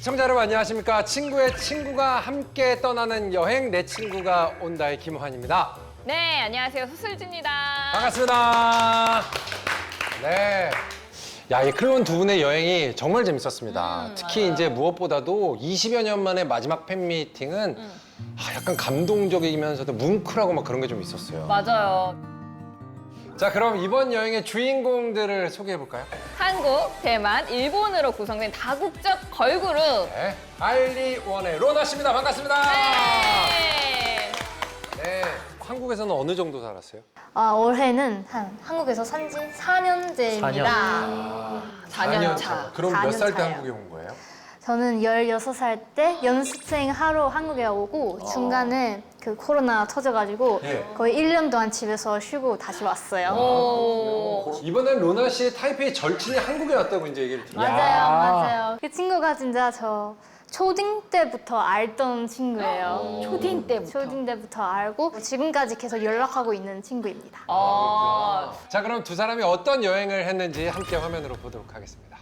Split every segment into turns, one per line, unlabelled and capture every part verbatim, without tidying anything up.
시청자 여러분 안녕하십니까. 친구의 친구가 함께 떠나는 여행 내 친구가 온다의 김환입니다.
네, 안녕하세요. 수슬지입니다.
반갑습니다. 네. 야, 이 클론 두 분의 여행이 정말 재밌었습니다.
음,
특히
맞아요.
이제 무엇보다도 이십여 년 만에 마지막 팬미팅은
음.
아, 약간 감동적이면서도 뭉클하고 막 그런 게 좀 있었어요.
맞아요.
자, 그럼 이번 여행의 주인공들을 소개해 볼까요?
한국, 대만, 일본으로 구성된 다국적 걸그룹.
네. 알리원의 로나 씨입니다. 반갑습니다.
네.
네. 한국에서는 어느 정도 살았어요?
아, 올해는 한 한국에서 산지 사 년째입니다.
사 년 차.
그럼
사
몇
년
살 때
차예요.
한국에 온 거예요?
저는 열여섯 살 때 연습생 하러 한국에 오고 중간에 그 코로나 터져가지고
네.
거의 일 년 동안 집에서 쉬고 다시 왔어요.
오.
이번엔 로나 씨의 타이페이 절친이 한국에 왔다고 이제 얘기를 들었어요.
맞아요, 맞아요. 그 친구가 진짜 저 초딩 때부터 알던 친구예요.
초딩 때부터.
초딩 때부터 알고 지금까지 계속 연락하고 있는 친구입니다.
아.
자, 그럼 두 사람이 어떤 여행을 했는지 함께 화면으로 보도록 하겠습니다.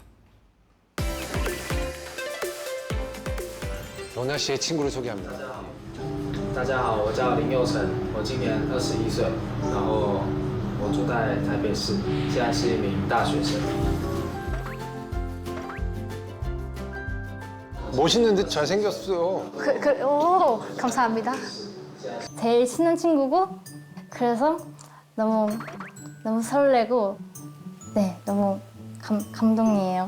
로나 씨의 친구를 소개합니다.
大家好，我叫林佑成，我今年二十一岁，然后我住在台北市，现在是一名大学生。
멋있는 듯 잘생겼어요.
그, 그, 오, 감사합니다. 제일 친한 친구고, 그래서 너무, 너무 설레고, 네, 너무 감, 감동이에요.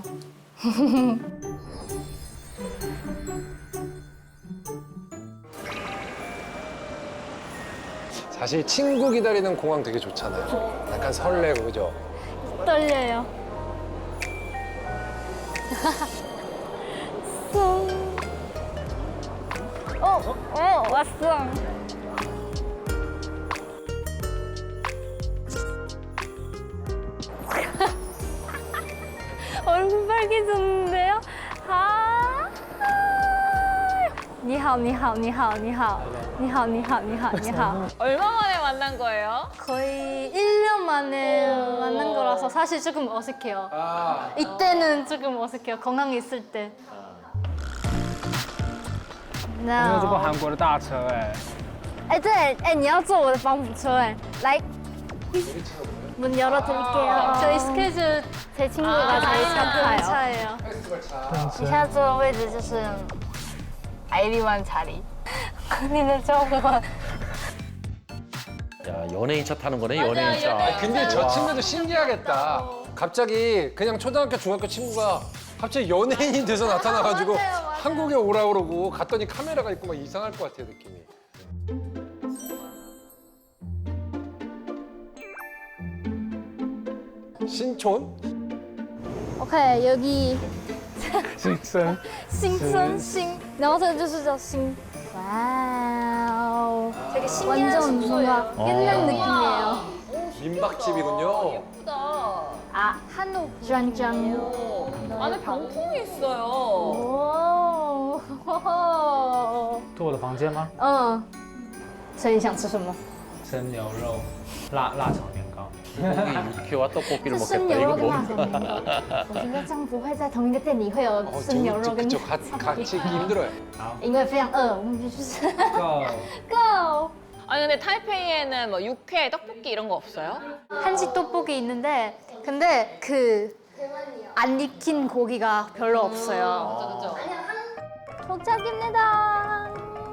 사실 친구 기다리는 공항 되게 좋잖아요. 약간 설레고, 그죠?
떨려요. 어, 어, 왔어. 얼굴 빨개졌는데요? 아. 你好,你好,你好,你好,你好,你好,你好,你好.
얼마 만에 만난 거예요?
거의 일 년 만에 만난 거라서 사실 조금 어색해요.
아,
이때는 조금 어색해요. 건강에 있을 때.
没有坐过
No.
韩国的大车哎，
哎，对，哎，你要坐我的保姆车哎，来，문 열어드릴게요. 저희 스케줄 제 친구가 제일 잘 타요. 차예요.
페스티벌 차.
你现在坐的位置就是아이리완 자리. 언니는 저거.
야, 연예인 차 타는 거네, 연예인 차.
아니, 근데 저 친구도 신기하겠다. 갑자기 그냥 초등학교, 중학교 친구가 갑자기 연예인이 돼서 나타나가지고
맞아요, 맞아요.
한국에 오라 그러고 갔더니 카메라가 있고 막 이상할 것 같아요, 느낌이. 신촌?
OK， 여기
新生。
新村新，然后这个就是叫新。와우. 되게 완전 뭔가 옛날 느낌이에요.
민박집이군요.
예쁘다.
아, 한옥 짠짠.
오. 안에 병풍이 있어요.
오.
坐我的房间吗？
嗯，所以你想吃什么？
生牛肉、辣辣炒年糕。
육회와 떡볶이를
是生
먹겠다.
牛肉
이거
跟辣
뭐?
炒年糕。我觉得这样不会在同一个店里会有
어,
生牛肉
저,
跟
저, 저, 같이, 같이 있기 힘들어요.
因为非常饿，我们必须吃。
go。
Go。
아니 근데 타이페이에는 뭐 육회, 떡볶이 이런 거 없어요?
한식 떡볶이 있는데 근데 그 안 익힌 고기가 별로 없어요.
그죠?
도착입니다.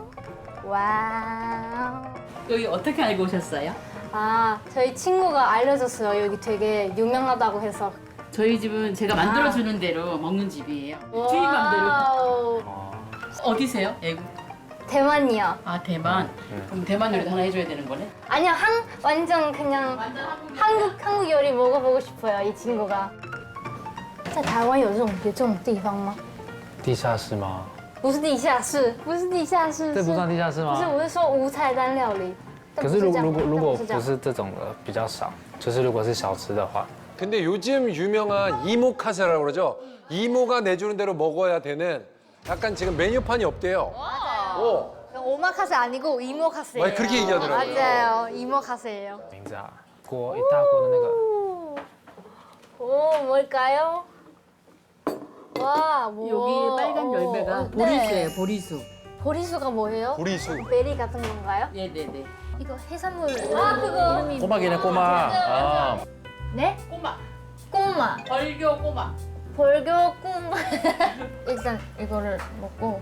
와우.
여기 어떻게 알고 오셨어요?
아, 저희 친구가 알려줬어요. 여기 되게 유명하다고 해서.
저희 집은 제가 만들어주는 대로 먹는 집이에요. 주인 맘대로.
와우.
어디세요? 애국.
대만이요.
아 대만. 그럼 대만 요리도 하나 해줘야 되는 거네?
아니요, 한 완전 그냥 한국 한국 요리 먹어보고 싶어요. 이 친구가. 在台湾有这种有这种地方吗？
地下室吗？
不是地下室，不是地下室，
这不算地下室
不是，
吗？
我是说无菜单料理。但
可是如
不这样
如果如果
但这样
不是这种的比较少，就是如果是小吃的话，
근데 요즘 유명한 이모카세라고 그러죠? 이모가 내주는 대로 먹어야 되는 약간 지금 메뉴판이 없대요. 오.
오마카세 아니고 이모카세예요.
맞아요, 그렇게 얘기하더라고요.
맞아요, 이모카세예요.
名字啊，锅一大锅的那个，
오, 뭘까요? 와, 뭐.
여기 빨간 열매가
어,
보리수예요,
네.
보리수.
보리수가 뭐예요?
보리수.
베리 같은 건가요?
네네네.
이거 해산물. 아, 그거. 이름이
꼬막이네
뭐야?
꼬막. 아,
네?
꼬마.
꼬마.
벌교 꼬마.
벌교 꼬마. 일단 이거를 먹고.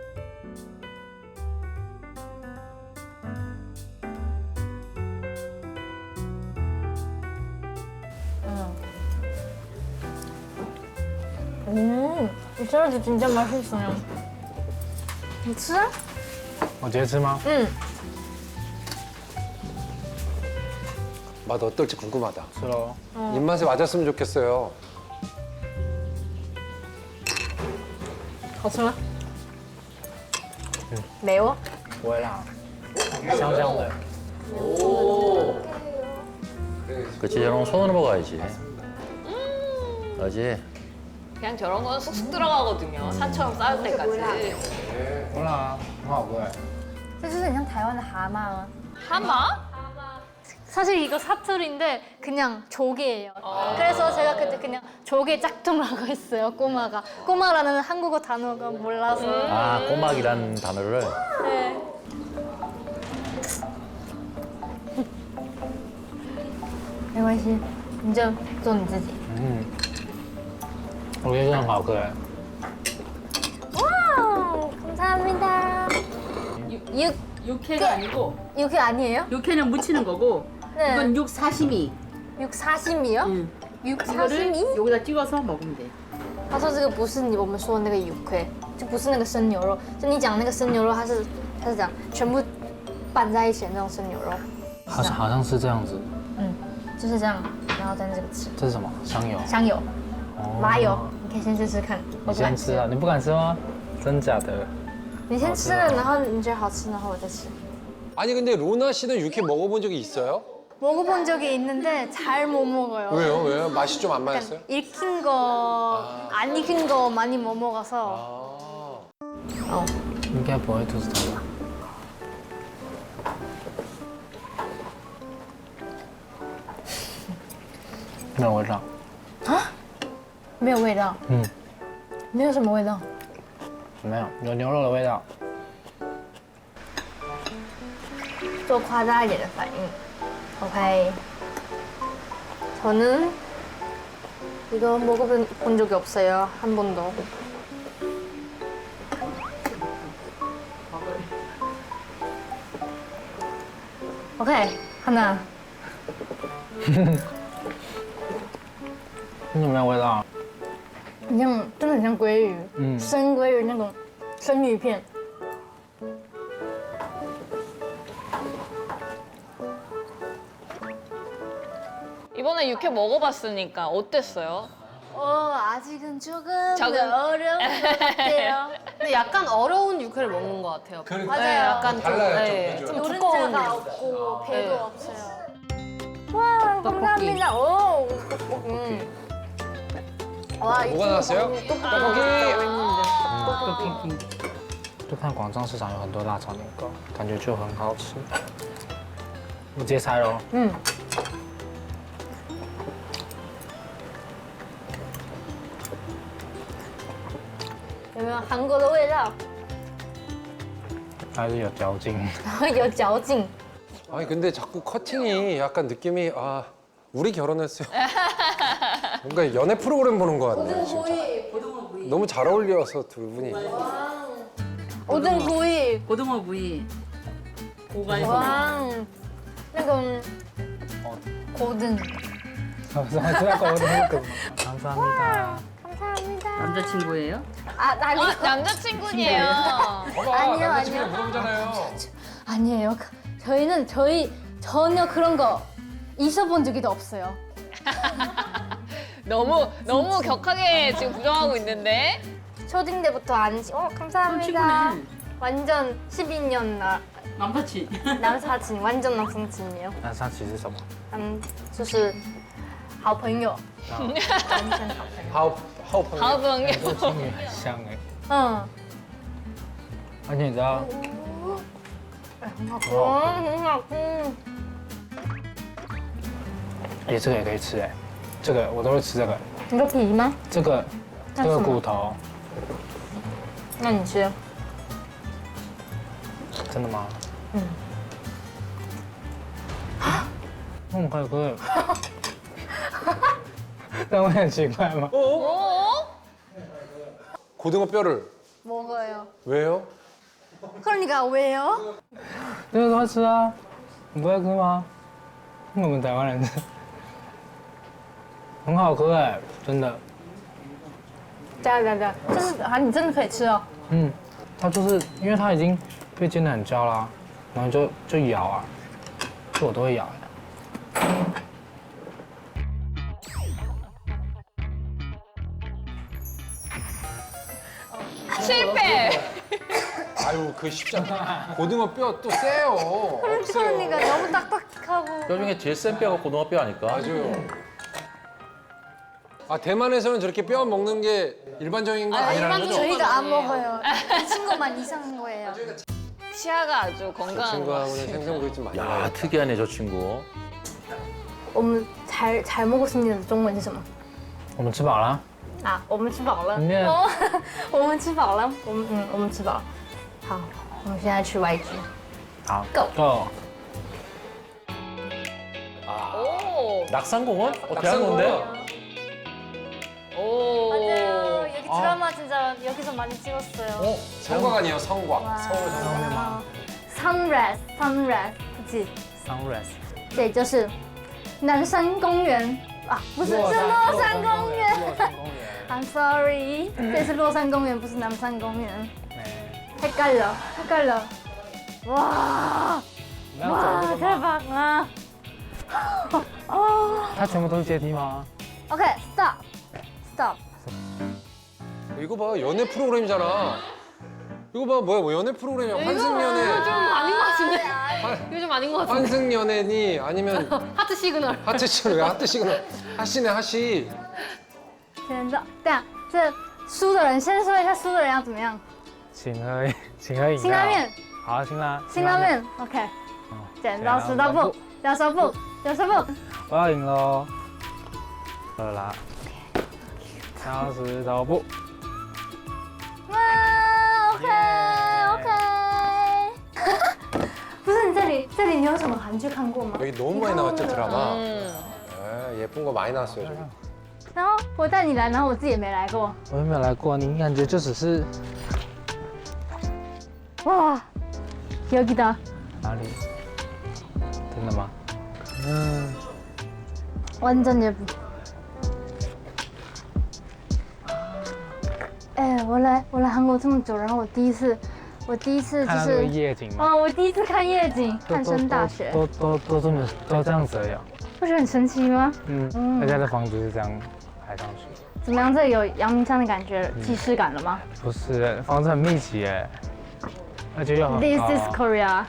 음, 이 샐러드 진짜 맛있어요.你吃啊？
我直接吃吗？
응.
맛 어떨지 궁금하다.
吃喽。
입맛에 맞았으면 좋겠어요.
好吃吗？매워？
不会辣，香香的。
그렇지 저런 거 손으로 먹어야지. 그렇지.
그냥 저런 건 쑥쑥 들어가거든요. 산처럼 쌓을 때까지.
不辣啊，很好喝哎。
这就是很像台湾的蛤蟆吗？
하마?
사실 이거 사투리인데 그냥 조개예요. 그래서 제가 그때 그냥 조개 짝퉁이라고 했어요. 꼬마가. 꼬마라는 한국어 단어가 몰라서.
아 꼬막이라는 단어를.
네. 没关系，你就做你自己。
嗯，我觉得很好喝哎。
와우, 감사합니다. 육,
육회가 아니고
육회 아니에요?
육회는 무치는 거고
네.
이건 육 사시미.
육 사심이요?
응.
육
이거를
사심이？
여기다 찍어서 먹으면 돼.
他说这个不是你我们说的那个鱼块，就不是那个生牛肉，就你讲那个生牛肉，它是它是讲全部拌在一起的那种生牛肉，
好像好像是这样子。
嗯，就是这样，然后蘸这个吃。
这是什么？香油。
香油、
哦
麻油，你可以先试试看。我
你
不敢
先吃啊？你不敢吃吗？真假的？
你先吃了，然后你觉得好吃，然后我再吃。
아니 근데 로나 씨는 육회 먹어본 적이 있어요?
먹어본 적이 있는데 잘 못 먹어요.
왜요? 왜요? 맛이 좀 안 맞았어요?
약간 익힌 거, 안 익힌 거 많이 못 먹어서.
아.
어.
应该不会肚子痛吧？没有味道。
没有味道，
嗯，
没有什么味道。
没有，有牛肉的味道。
做夸张一点的反应。OK. 저는 이거 먹어본 본 적이 없어요. 한 번도. OK. 하나.
有没有味道？
很像，真的很像鲑鱼，
嗯
生鲑鱼那种生鱼片。
이번에 육회 먹어봤으니까 어땠어요?
어, 아직은 조금
적응.
어려운 것 같아요.
근데 약간 어려운 육회를 먹는 것 같아요.
그러니까.
맞아요.
네, 약간
달라요, 좀,
네,
그죠?
좀 두꺼운
노른자가
육.
없고 배도
네.
없어요. 와, 감사합니다. 오, 떡볶이. 와,
뭐가 나왔어요? 떡볶이.
就看广州市场有很多辣炒年糕，感觉就很好吃。我直接猜喽。
음.有没有韩国的味道？
还是有嚼劲。
有嚼劲。
아니 근데 자꾸 커팅이 약간 느낌이 아 우리 결혼했어요. 뭔가 연애 프로그램 보는 것 같네요 진짜. 너무 잘 어울려서 두 분이.
오등 구이.
고등어 구이. 고가에서
哇，那个고등.
감사합니다.
감사합니다.
남자친구예요?
아, 아니,
어, 남자친구니에요.
봐봐
아니요,
남자친구
아니요.
물어보잖아요.
아니에요. 저희는 저희 전혀 그런 거 있어본 적이 없어요.
너무 너무 격하게 지금 부정하고 있는데.
초딩 때부터 안 지. 어, 감사합니다.
친구네.
완전 십이 년 나,
남사친.
남사친, 완전 남사친이에요.
那上期是什么？
음, 就是好朋友，完全好朋友。
하우 하우 팡.
다음은
跟青鱼很像哎。
嗯，
而且你知道，
很好吃，很好吃。
哎，这个也可以吃哎，这个我都会吃这个。
你个皮吗？
这个这个骨头
那你吃。
真的吗？嗯。那么快可以？但我很奇怪吗？
고등어 뼈를
먹어요.
왜요?
그러니까 왜요?
这个都会吃啊，你不会吃吗？我们台湾人吃，很好喝哎，真的。
加加加，这是啊，你真的可以吃哦。
嗯，它就是因为它已经被煎得很焦啦，然后就就咬啊，这我都会咬的。
실패.
아유 그 쉽지 않다. 고등어 뼈 또 세요.
그러니까 너무 딱딱하고.
뼈 중에 제일 센 뼈가 고등어 뼈 아닐까?
맞아요. 아 대만에서는 저렇게 뼈 먹는 게 일반적인 건 아니라는 거죠?
저희가 안 먹어요. 이 친구만 이상한 거예요.
치아가 아주
그
건강한 것
친구하고는
같아요.
생선구이 좀 많이
야
먹어요.
특이하네 저 친구.
我们잘 잘 먹었습니다. 中文是什么？
我们吃饱了，
啊，我们吃饱了。
里面
哦，我们吃饱了。我们嗯，我们吃饱了。好，我们现在吃 Y G。
好
Go
go。
오.
낙산공원? 어, 대학로인데?
오.
맞아요. 여기 드라마 진짜 여기서 많이 찍었어요.
어? 성곽 아니에요 성곽. 서울 성곽.
哇 Sunrise Sunrise 不记，
Sunrise。
这就是南山公园啊，不是是洛山公园。
洛山公园。
I'm sorry，这是洛山公园，不是南山公园。
哎，
헷갈려 헷갈려. 와
你要走这个
와
吗？
대박 아. 어.
它全部都是阶梯吗？
OK stop stop.
이거 봐 연애 프로그램이잖아. 이거 봐 뭐야 뭐 연애 프로그램이야. 환승연애.
이거 좀 아닌 것 같은데? 이거 좀 아닌 것 같은데?
환승연애니 아니면
하트 시그널.
하트 시그널 왜 하트 시그널 하시네 하시.
现在对啊，这输的人先说一下输的人要怎么样？
请喝请喝饮料。
辛拉面，
好，辛拉。
辛拉面 OK。剪刀石头布，剪刀石头布，剪刀石头布。
我要赢喽！喝了啦。剪刀石头布。
哇 OK OK。不是你这里这里你有什么韩剧看过吗？
여기 너무 많이 나왔죠 드라마.
음.
에, 예쁜 거 많이 나왔어요 저기.
然后我带你来，然后我自己也没来过。
我又没有来过，你感觉就只是
와 여기다.
哪里？真的吗？嗯，
완전 예쁘. 哎，我来我来韩国这么久，然后我第一次，我第一次就
看到那个
是，
夜景吗？
哦，我第一次看夜景，汉升大学，
都都都这么都这样子而已哦。
不是很神奇吗？
嗯，
嗯
人家的房子是这样排上去，
怎么样？这里有阳明山的感觉，既视感了吗
不是房子很密集哎，而且又很
？This
高。
is Korea。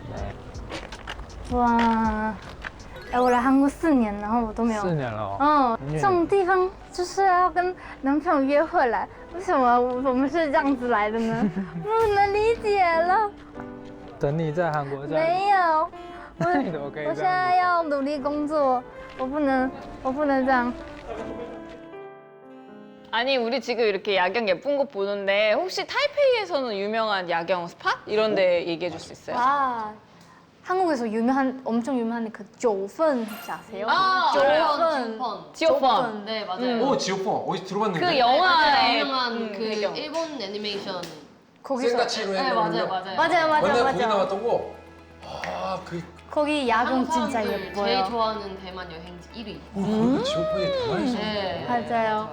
哇，哎，我来韩国四年，然后我都没有。
四年了哦。
哦，
很远
这种地方就是要跟男朋友约会来，为什么我我们是这样子来的呢？不能理解了。
等你在韩国这样，
没有，我
你怎么可以
我现
这样子
在要努力工作，我不能我不能这样。
아니 우리 지금 이렇게 야경 예쁜 곳 보는데 혹시 타이페이에서는 유명한 야경 스팟 이런 데 얘기해 줄 수 있어요?
아, 한국에서 유명한 엄청 유명한 그 조펀 혹시 아세요?
아,
조펀.
지오펀.
지오펀.
네, 맞아요.
오 지오펑 어디서 들어봤는데?
그
맞아요.
영화의
유명한
음,
그
배경.
일본 애니메이션.
거기서
생가치로
네,
했던
맞아요, 맞아요.
맞아요 맞아요
맨날 거기
맞아요.
나왔던 거. 아그
거기 야경
한국
진짜
사람들
예뻐요.
제일 좋아하는 대만 여행지 일 위.
그 지오펑이 대만에서.
네.
맞아요.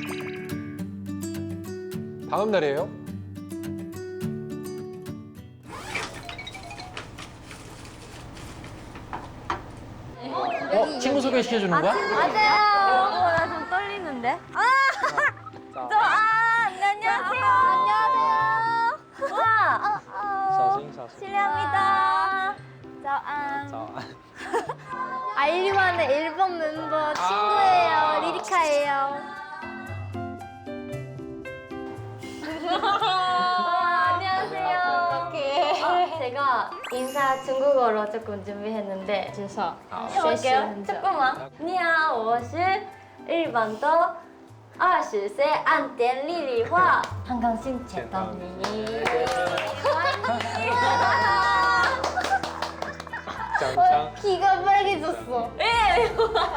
다음 날이에요?
어? 친구 소개시켜주는 거야?
맞아요. 어, 나 좀 떨리는데. 아, 저, 아, 네, 안녕하세요. 안녕하세요. 와, 어, 어.
小心小心。
실례합니다. 짜안.
早安。
아이리만의 일본 멤버 친구예요. 리리카예요. 와, 안녕하세요. 제가 인사 중국어로 조금 준비했는데 준서 해볼게요. 조금만. 你好，我是日本的二十岁按点丽丽话，很高兴见到你。어, 귀가 빨개졌어. 예.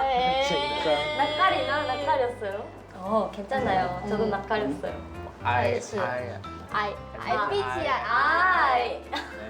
낯가리나? 낯가렸어요? 어, 괜찮아요. 저도 낯가렸어요.
아이,
그렇지.
아이.
아이, 알피지야, 아이.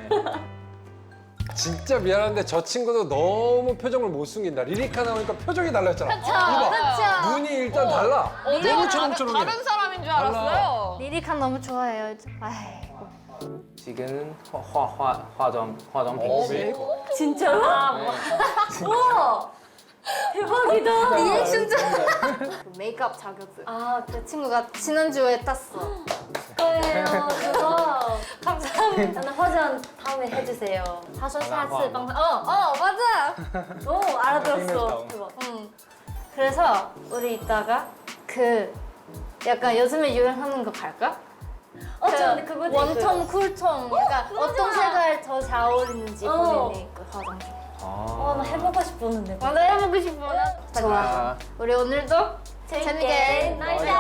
진짜 미안한데 저 친구도 너무 표정을 못 숨긴다. 리리카 나오니까 표정이 달라졌잖아. 이봐.
그렇죠.
눈이 일단 달라.
어제
너무
다른,
초롱초롱해.
다른 사람인 줄
달라.
알았어요.
리리카 너무 좋아해요. 아이.
지금 化化化妆化妆品
어,
是
메이크업.
진짜로? 우와! 대박이다. 리액션자. 메이크업 자격증. 아, 제 친구가 지난주에 땄어. 그래요, 그거. 감사합니다. 저는 화장 다음에 해주세요. 다섯 사스 방송. 어, 어, 맞아. 오, 알아들었어. 그거. 응. 그래서 우리 이따가 그 약간 요즘에 유행하는 거 갈까? 어, 저 근데 그거 원톤, 쿨톤. 약간 어떤 색깔 더 잘 어울리는지 본인이 그 화장품. 어, 나 해보고 싶었는데. 나도 해보고 싶어. 좋아. 우리 오늘도 재밌게 놀자.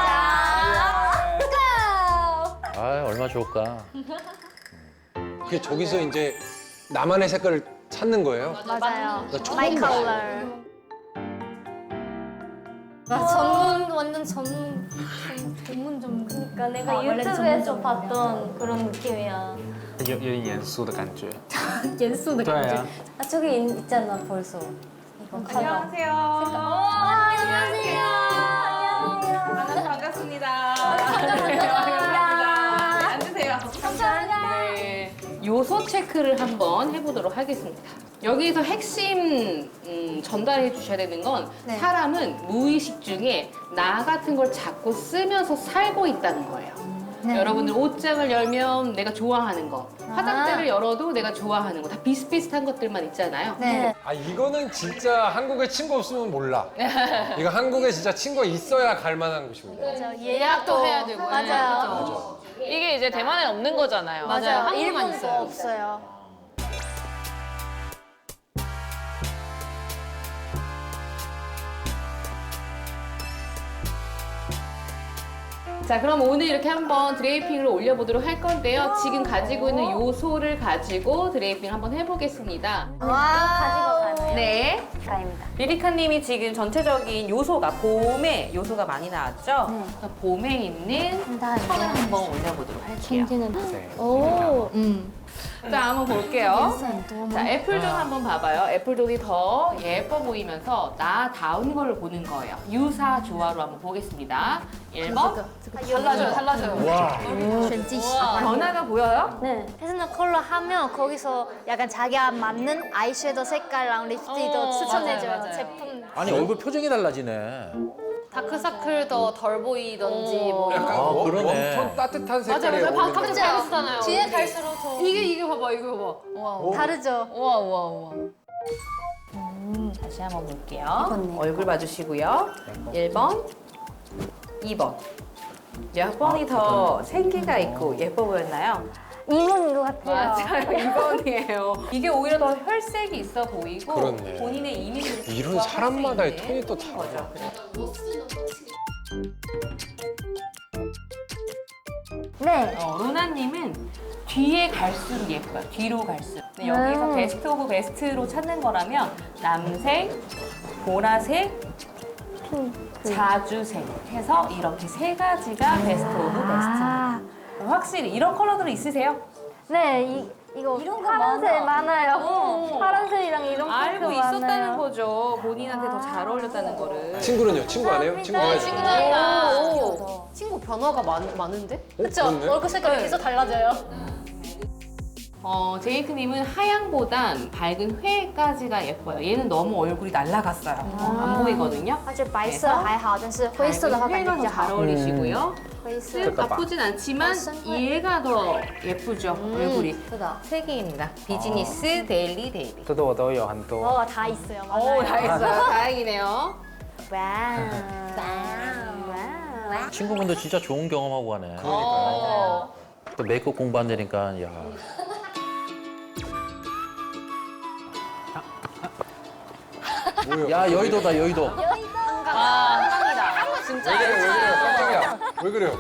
Go!
아, 얼마 좋을까.
그게 저기서 이제 나만의 색깔을 찾는 거예요?
맞아요.
나 처음
My
봤어.
color. 나 전문 완전 전문 전문 전문. 그러니까 내가 유튜브에서 봤던 그런 느낌이야.
有有点严肃的感觉。
연수도
对啊，
아 저기 있, 있잖아 벌써. 이거 컬러.
안녕하세요.
안녕하세요.
만나서 반갑습니다.
반갑습니다.
앉으세요.
감사합니다.
네, 요소 체크를 한번 해보도록 하겠습니다. 여기서 핵심 음, 전달해 주셔야 되는 건
네.
사람은 무의식 중에 나 같은 걸 자꾸 쓰면서 살고 있다는 거예요.
네.
여러분들 옷장을 열면 내가 좋아하는 거, 화장대를 열어도 내가 좋아하는 거, 다 비슷비슷한 것들만 있잖아요.
네.
아 이거는 진짜 한국에 친구 없으면 몰라. 이거 한국에 진짜 친구가 있어야 갈 만한 곳입니다.
맞아. 예약도
해야 되고.
맞아요.
이게 이제 대만에 없는 거잖아요.
맞아요.
한국만
일본도
있어요.
없어요.
자, 그럼 오늘 이렇게 한번 드레이핑을 올려보도록 할 건데요. 지금 가지고 있는 요소를 가지고 드레이핑 한번 해보겠습니다.
와. 가지고 가네요.
네,
가입니다.
리리카님이 지금 전체적인 요소가 봄에 요소가 많이 나왔죠?
그래서 봄에 있는
감사합니다.
펄을 한번 올려보도록 할게요.
오. 음.
자, 한번 볼게요. 자, 애플존 한번 봐봐요. 애플존이 더 예뻐 보이면서 나다운 걸 보는 거예요. 유사 조화로 한번 보겠습니다. 일 번.
달라져요, 달라져요.
와.
변화가 보여요?
네. 패스널 컬러 하면 거기서 약간 자기가 맞는 아이섀도우 색깔랑 립스틱도
어,
추천해줘요.
맞아요, 맞아요.
제품.
아니, 얼굴 표정이 달라지네.
다크서클 더 덜 보이던지 뭐.
약간
아,
원-
그러네.
웜톤 따뜻한
맞아,
색깔이
맞아.
어울리는
각자
거.
다르잖아요.
뒤에 갈수록 더
이게 이게 봐봐, 이거 봐봐. 우와, 우와,
다르죠.
우와, 우와, 우와.
음, 다시 한번 볼게요. 얼굴 봐주시고요. 일 번, 이 번. 몇 번이 더 생기가 있고 예뻐 보였나요?
이번인 것 같아요.
맞아요. 이 번이에요. 이게 오히려 더 혈색이 있어 보이고
그렇네.
본인의 이미지를
이런
부각할 수
사람마다의
있는
톤이 또 달라.
거죠.
네.
어, 로나님은 뒤에 갈수록 예뻐요. 뒤로 갈수록. 근데 여기서
음.
베스트 오브 베스트로 찾는 거라면 남색, 보라색, 자주색 해서 이렇게 세 가지가 베스트 오브 베스트입니다.
아.
확실히 이런 컬러들은 있으세요?
네. 이, 이거 이런 거 파란색 많아요.
어.
파란색이랑 이런
알고
핑크
있었다는
많아요.
거죠. 본인한테 더 잘 어울렸다는 거를.
친구는요? 친구 안 해요? 친구
네,
해요?
친구들이랑.
친구 변화가 많, 많은데?
그쵸?
그렇네.
얼굴 색깔이 계속 달라져요.
어, 제이크님은 하얀보단 밝은 회까지가 예뻐요. 얘는 너무 얼굴이 날라갔어요. 어, 안 보이거든요.
而且白色还好，但是灰色的话感觉
회가
比
더
较
잘
好。
어울리시고요.
灰色
쓱 나쁘진 않지만 얘가 더 예쁘죠, 얼굴이.
是的。
세 개입니다. 비즈니스, 데일리, 데일리.
这个我都有很多。
어, 다 있어요.
오,
맞아요.
다 했어요. 다행이네요.
와우. 와우.
친구분도 진짜 좋은 경험하고 가네.
어.
또 메이크업 공부한다니까, 야.
뭐예요?
야, 여의도다, 여의도.
아, 한강이다. 진짜.
왜 그래, 왜 그래? 왜 그래요?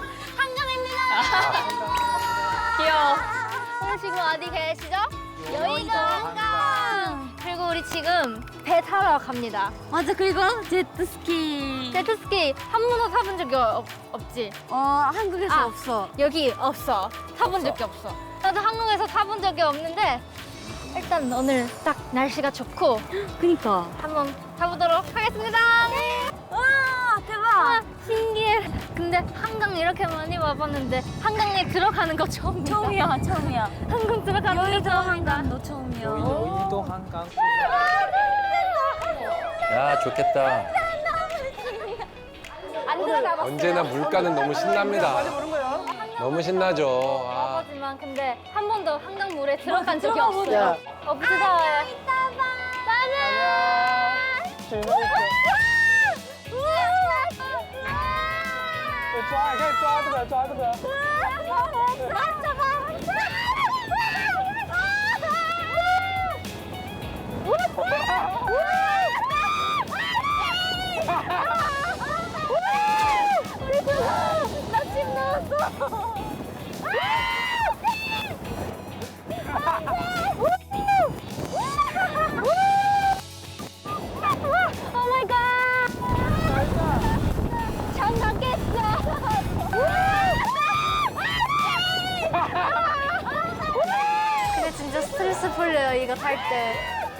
귀여워.
오늘 지금 어디 계시죠? 여의도 한강. 그리고 우리 지금 배 타러 갑니다.
맞아, 그리고 제트스키.
제트스키 한 번도 타본 적이 없, 없지?
어, 한국에서
아.
없어.
여기 없어. 타본 적이 없어. 나도 한국에서 타본 적이 없는데 일단 오늘 딱 날씨가 좋고
그니까.
한번 타보도록 하겠습니다.
와,
아,
대박.
신기해. 근데 한강 이렇게 많이 와봤는데 한강에 들어가는 거 처음이야.
처음이야, 처음이야.
한강 들어가는 거
여의도
처음이다.
한강도 처음이야.
여의도 한강.
야, 좋겠다.
안 들어가봤어요.
언제나 물가는 너무 신납니다. 너무 신나죠. 아,
와봤지만 근데 한 번도 한강 물에 들어간 적이
들어가
없어요. 어, 무서워요. 나집 나왔어. 오 마이 갓. 장난겠어. 근데 진짜 스트레스 풀려요 이거 탈 때.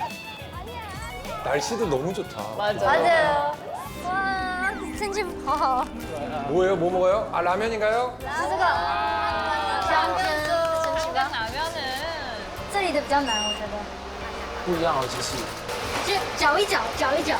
날씨도 너무 좋다.
맞아.
맞아요. 와, 진짜 봐.
뭐예요? 뭐 먹어요? 아, 라면인가요?
수가.
香港 라면은
这里的比较难，我觉得。
不一样哦，其实。
就搅一搅，搅一搅。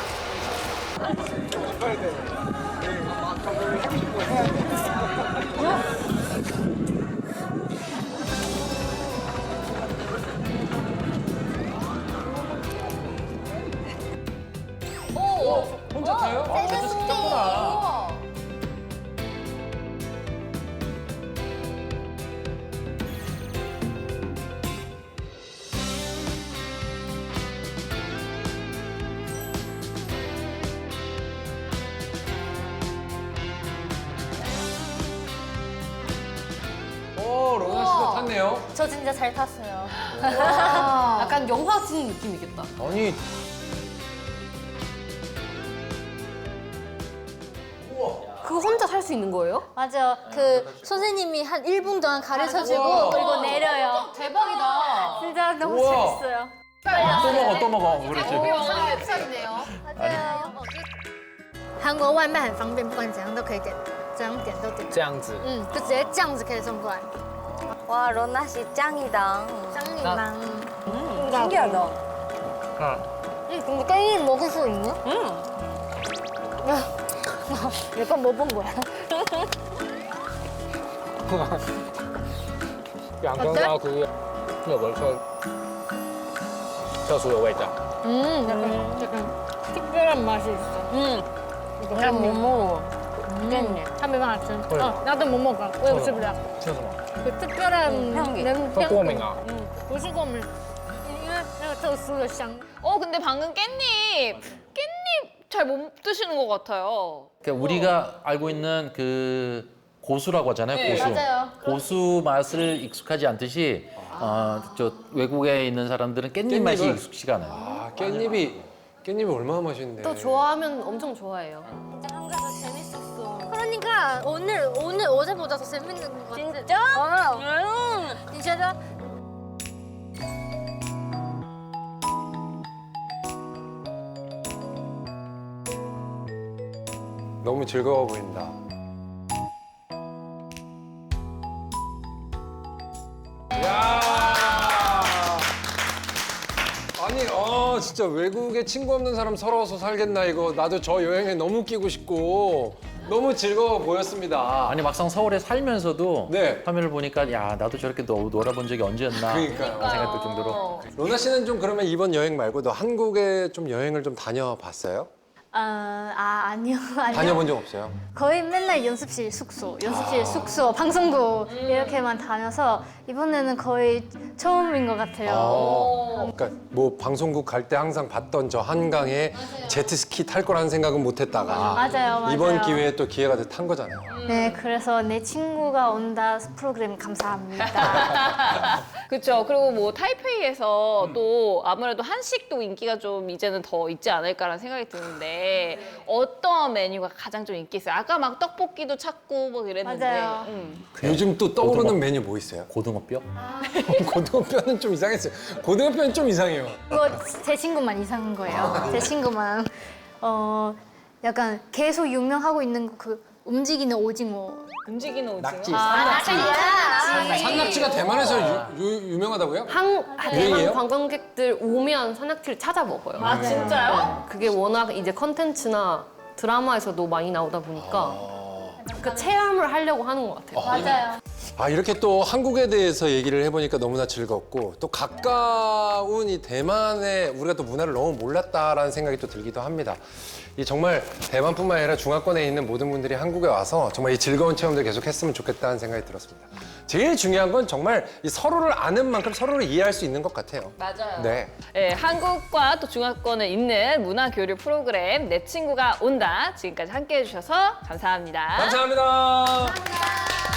혼자 타요? 아, 저도 식당구나. 오, 로나 씨도 탔네요.
저 진짜 잘 탔어요.
약간 영화 찍는 느낌이겠다.
아니,
그거 혼자 살 수 있는 거예요?
맞아. 그 선생님이 한 일 분 동안 가르쳐주고 그리고 내려요.
대박이다.
진짜 너무
우와.
재밌어요.
또 먹어, 또 먹어. 그렇지.
삼겹살이네요.
맞아요.韩国外卖很方便，不管怎样都可以点，怎样点都点。
这样子。
嗯，就直接这样子可以送过来。
와, 러나 씨 짱이다.
짱이랑. 음,
신기하다.
응, 근데 깻잎 먹을 수 있네? 응. 몇번 못 본 거야.
两根高图有个特特殊的味道。
음, 약간, 약간 특별한 맛이 있어. 음. 이거 잘 못 먹어. 깻잎. 他没办法吃. 어, 나도 못 먹어. 我也吃不了.
吃什么？
그 특별한
향기.
냄-
会过敏啊？
응, 不是过敏，因为那个特殊的香。
어 근데 방금 깻잎 깻잎 잘 못 드시는 것 같아요.
그러니까 우리가 알고 있는 그 고수라고 하잖아요.
네,
고수.
맞아요.
고수 맛을 익숙하지 않듯이 어, 저 외국에 있는 사람들은 깻잎 맛이
깻잎을?
익숙치가 않아요.
아, 깻잎이, 깻잎이 얼마나 맛있는데.
또 좋아하면 엄청 좋아해요.
한가서 재밌었어. 그러니까 오늘 오늘 어제보다 더 재밌는 것 같아. 진짜? 어. 응. 진짜?
너무 즐거워 보인다. 야! 아니, 어, 진짜 외국에 친구 없는 사람 서러워서 살겠나 이거. 나도 저 여행에 너무 끼고 싶고 너무 즐거워 보였습니다.
아니 막상 서울에 살면서도
네.
화면을 보니까 야 나도 저렇게 노, 놀아본 적이 언제였나
그러니까요.
그런 생각들 정도로
로나 씨는 좀 그러면 이번 여행 말고도 한국에 좀 여행을 좀 다녀봤어요?
아, 아 아니요 아니요.
다녀본 적 없어요?
거의 맨날 연습실 숙소, 연습실 숙소, 방송국 이렇게만 다녀서 이번에는 거의 처음인 것 같아요.
아, 그러니까 뭐 방송국 갈 때 항상 봤던 저 한강에 제트스키 탈 거라는 생각은 못 했다가
맞아요, 맞아요.
이번 기회에 또 기회가 돼서 탄 거잖아요.
네, 그래서 내 친구가 온다 프로그램 감사합니다.
그렇죠. 그리고 뭐 타이페이에서 또 아무래도 한식도 인기가 좀 이제는 더 있지 않을까라는 생각이 드는데 어떤 메뉴가 가장 좀 인기 있어요? 아까 막 떡볶이도 찾고 뭐 이랬는데.
맞아요.
음.
요즘 또 떠오르는
고등어.
메뉴 뭐 있어요?
고등어뼈?
고등어뼈는 좀 이상했어요. 고등어뼈는 좀 이상해요.
그거 제 친구만 이상한 거예요. 제 친구만 어 약간 계속 유명하고 있는 그 움직이는 오징어.
움직이는 오징어.
낙지.
아,
산낙지가 대만에서 유, 유, 유명하다고요?
한
유행이에요?
대만 관광객들 오면 산낙지를 찾아 먹어요.
아, 진짜요?
그게 워낙 이제 컨텐츠나 드라마에서도 많이 나오다 보니까 그 체험을 하려고 하는 것 같아요.
맞아요.
아 이렇게 또 한국에 대해서 얘기를 해보니까 너무나 즐겁고 또 가까운 이 대만의 우리가 또 문화를 너무 몰랐다라는 생각이 또 들기도 합니다. 이 정말 대만뿐만 아니라 중화권에 있는 모든 분들이 한국에 와서 정말 이 즐거운 체험들 계속 했으면 좋겠다는 생각이 들었습니다. 제일 중요한 건 정말 이 서로를 아는 만큼 서로를 이해할 수 있는 것 같아요.
맞아요.
네.
네, 한국과 또 중화권에 있는 문화 교류 프로그램 내 친구가 온다. 지금까지 함께 해주셔서 감사합니다.
감사합니다.